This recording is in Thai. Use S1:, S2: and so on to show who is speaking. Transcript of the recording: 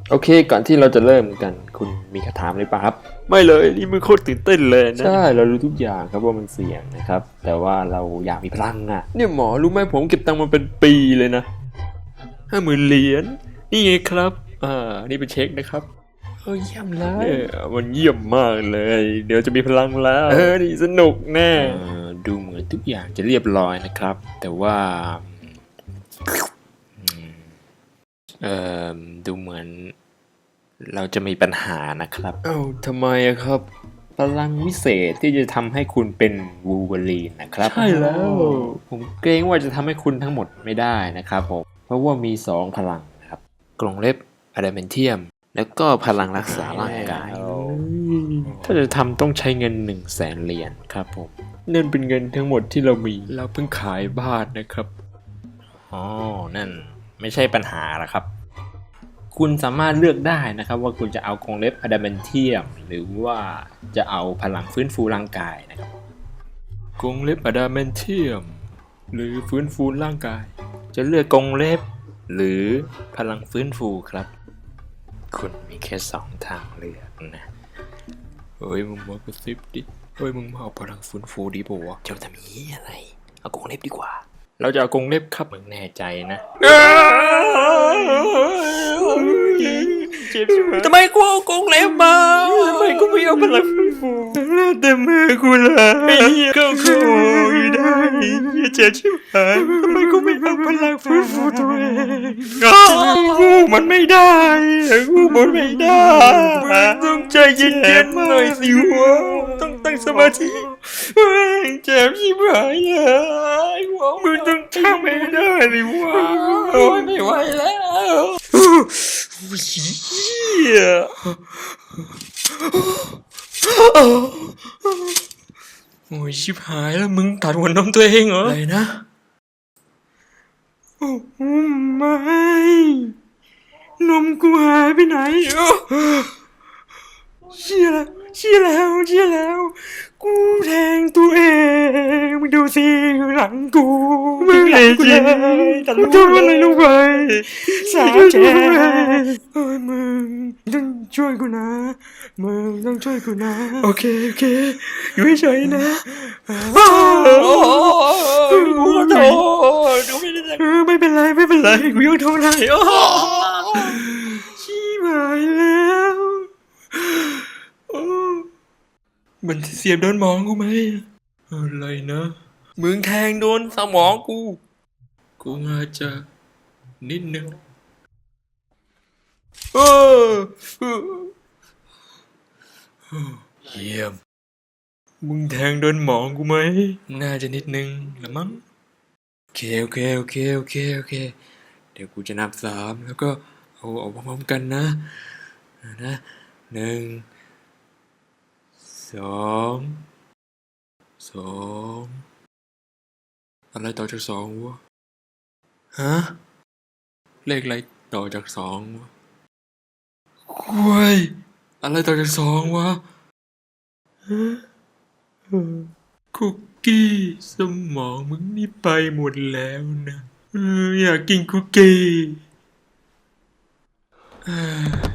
S1: โอเคก่อนที่เราจะเริ่มกันคุณมีคำถามอะไรป่ะครับไม่เลยนี่มันโคตรตื่นเต้นเลยนะใช่เรารู้ทุกอย่างครับว่ามันเสี่ยงนะครับแต่ว่าเราอยากมีพลังอะเนี่ยหมอรู้ไหมผมเก็บตังค์มาเป็นปีเลยนะ50,000 เหรียญนี่ไงครับนี่เป็นเช็คนะครับเยี่ยมเลยมันเยี่ยมมากเลยเดี๋ยวจะมีพลังแล้วนี่สนุกแน่ดูเหมือนทุกอย่างจะเรียบร้อยนะครับแต่ว่าดูเหมือนเราจะมีปัญหานะครับทำไมครับพลังวิเศษที่จะทำให้คุณเป็นวูล์ฟเวอรีนนะครับใช่แล้วผมเกรงว่าจะทำให้คุณทั้งหมดไม่ได้นะครับผมเพราะว่ามี2พลังนะครับกรงเล็บอะดามนเทียมแล้วก็พลังรักษาร่างกายถ้าจะทำต้องใช้เงิน100,000 เหรียญครับผมนั่นเป็นเงินทั้งหมดที่เรามีเราเพิ่งขายบ้านนะครับนั่นไม่ใช่ปัญหาหรอกครับคุณสามารถเลือกได้นะครับว่าคุณจะเอากรงเล็บอะดามนเทียมหรือว่าจะเอาพลังฟื้นฟูร่างกายนะครับกรงเล็บอะดามนเทียมหรือฟื้นฟูร่างกายจะเลือกกรงเล็บหรือพลังฟื้นฟูครับคุณมีแค่2 ทางเลือกนะมึงมากระซิบดิมึงมาเอาพลังฟื้นฟูดีป่าวะเจ้าทำนี้อะไรเอากรงเล็บดีกว่าเราจะเอากรงเล็บครับมึงแน่ใจนะทำไมกูเอากรงเล็บมาทำไมกูไม่เอาพลังฟื้นฟูแต่มือกูเลยก็กูได้เจ็บชิบหายทำไมกูไม่เอาพลังฟื้นฟูตัวเองกูมันไม่ได้กูมันไม่ได้ต้องใจเย็นๆหน่อยสิวะต้องตั้งสมาธิเจ็บชิบหายเลยมึงต้องทำไม่ได้ดิวะไม่ไหวแล้วโอ้ยชิบหายแล้วมึงตัดหัวนมตัวเองเหรออะไรนะไม่นมกูหายไปไหนเชี่ยแล้วกูแทงตัวเองมึงดูสิหลังกูไม่เลยจริงกูทำอะไรลงไปสาแก่มึงต้องช่วยกูนะโอเคอยู่เฉยๆนะกูขอโทษกูไม่ได้ไม่เป็นไรกูยังทนได้ชิบหายแล้วมันเสียบโดนหมองกูไหมอะไรนะมึงแทงโดนสมองกูอาจจะนิดนึงเยี่ยมมึงแทงโดนหมองกูไหมน่าจะนิดนึงละมั้งโอเคเดี๋ยวกูจะนับ3แล้วก็เอาพร้อมๆกันนะ1 2 อะไรต่อจาก2วะฮะเลขอะไรต่อจาก2วะอะไรต่อจาก2วะคุกกี้สมองมึงนี่ไปหมดแล้วนะอยากกินคุกกี้